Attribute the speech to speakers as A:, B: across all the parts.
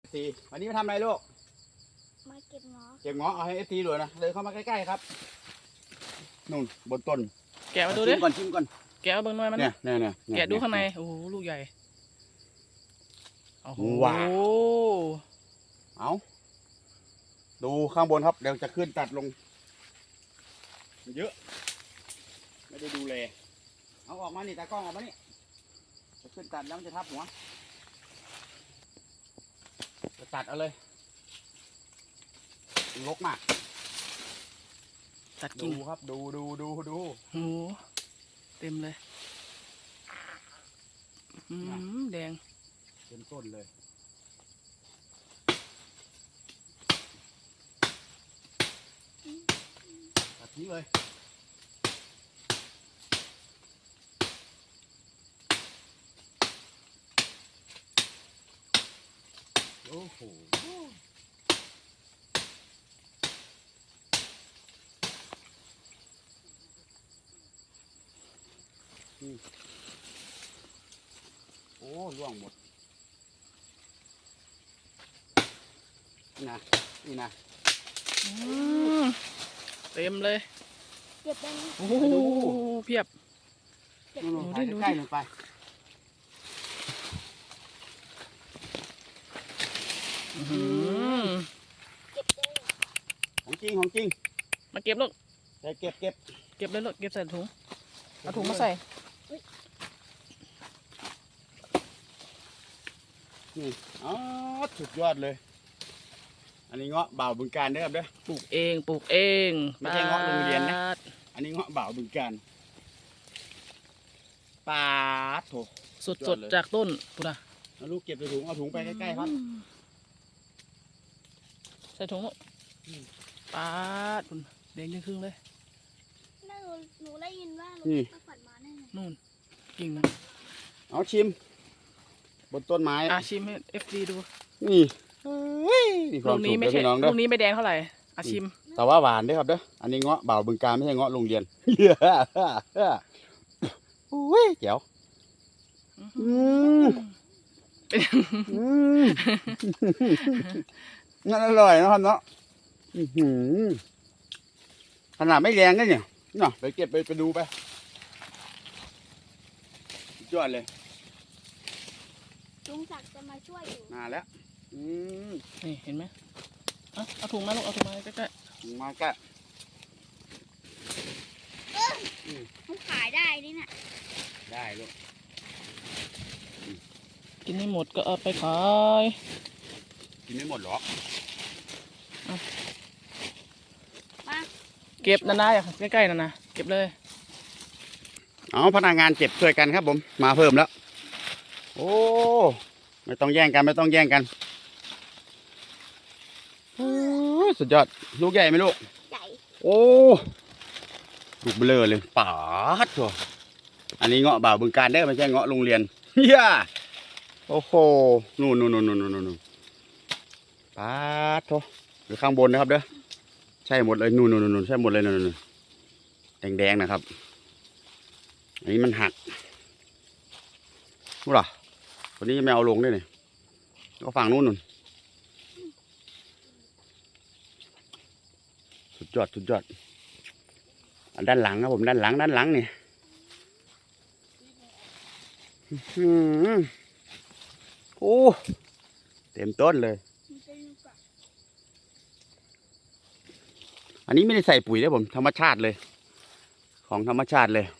A: ซีวันนี้มาทำอะไรลูก
B: มาเก็บเงาะ
A: เก็บเงาะเอาให้ซีดูนะเดินเข้ามาใกล้ๆครับนู่นบนต้น
C: แกะมาดูดิ
A: ชิมก่อน
C: แกะเอาเบิ่งหน่อยมัน
A: เนี่ย
C: แกะดูข้างในโอ้โหลูกใหญ่โอ้โห
A: เอาดูข้างบนครับเดี๋ยวจะขึ้นตัดลงเยอะไม่ได้ดูแลเอาออกมานี่ตากล้องออกมานี่จะขึ้นตัดแล้วมันจะทับหัวจะตัดเอาเลยลกมาก
C: ตัดกิ่ง
A: ดูครับดู
C: โอ้เต็มเลยแดง
A: เต็มต้นเลยตัดทิ้งเลยโอ้โหโอ้ร่วงหมดนี่นะ
C: เต็มเลย
B: เก็บได้ไหม
C: โอ้โหเพียบ
A: นู่นๆใกล้ๆลงไป
B: เก็บได้
A: ของจริง
C: มาเก็บลูก
A: เก็บ
C: เลยลูกเก็บใส่ถุงเอาถุงมาใส่
A: นี่อ๋อสุดยอดเลยอันนี้เงาะบ่าวบึงกาฬเด้อครับเด้อ
C: ปลูกเอง
A: ไม่ใช่เงาะโรงเรียนนะอันนี้เงาะบ่าวบึงกาฬปาดโถ
C: สดจากต้นปุ๊ดะ
A: เอาลูกเก็บใส่ถุงเอาถุงไปใกล้ๆครับ
C: ใส่ถุงลูกปาดปุ่นแดงครึ่งเลย
B: หนูได้ยินว่าหนูไปฝันมาแน่
C: นู่นกิ่ง
A: เอาชิมบนต้นไม้
C: ชิมให้ FD ดู
A: นี่
C: ลูกนี้ไม่ใช่ลูกนี้ไม่แดงเท่าไหร่ชิม
A: แต่ว่าหวานด้วยครับเด้ออันนี้เงาะบ่าวบึงกาฬไม่ใช่เงาะโรงเรียนอุ้ยเจ๋วงั้นอร่อยนะครับเนาะขนาดไม่แรงนะเนี่ยเนาะไปเก็บไปดูไปยอดเลย
B: ลุงศักดิ์จะมาช่วยอยู่
A: มาแล้ว
C: นี่เห็นไหมเอาถุงมาลูกเอาถุงมาใกล้
A: ๆมาใกล้
B: มันขายได้นี่น่ะ
A: ได้ลูก
C: กินให้หมดก็เอาไปขาย
A: กินไม่หมดหรอ
B: มา
C: เก็บนาใกล้ๆนะเก็บเลย
A: เอาพนักงานเก็บช่วยกันครับผมมาเพิ่มแล้วโอ้ไม่ต้องแย่งกันสุดยอดลูกใหญ่ไหมลูก
B: ใหญ่
A: โอ้ลูกเบลอเลยป๋าดตัวอันนี้เงาะบ่าวบึงกาฬได้ไม่ใช่เงาะโรงเรียนเฮียโอ้โหนู่นป๋าดตัวอยู่ข้างบนนะครับเด้อใช่หมดเลยนู่นใช่หมดเลยนู่นแดงนะครับอันนี้มันหักรู้หรอวันนี้ไม่เอาลงด้วยเนี่ยก็ฝั่งนู้นสุดยอดด้านหลังครับผมด้านหลังเนี่ยโอ้เต็มต้นเลยอันนี้ไม่ได้ใส่ปุ๋ยเลยผมธรรมชาติเลยของธรรมชาติเลย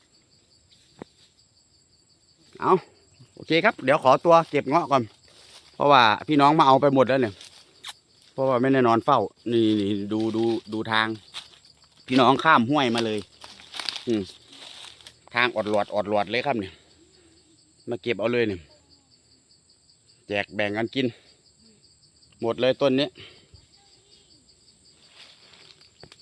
A: เอาโอเคครับเดี๋ยวขอตัวเก็บเงาะก่อนเพราะว่าพี่น้องมาเอาไปหมดแล้วเนี่ยเพราะว่าไม่ได้นอนเฝ้านี่ดูทางพี่น้องข้ามห้วยมาเลยทางอดหลอดเลยครับเนี่ยมาเก็บเอาเลยเนี่ยแจกแบ่งกันกินหมดเลยต้นนี้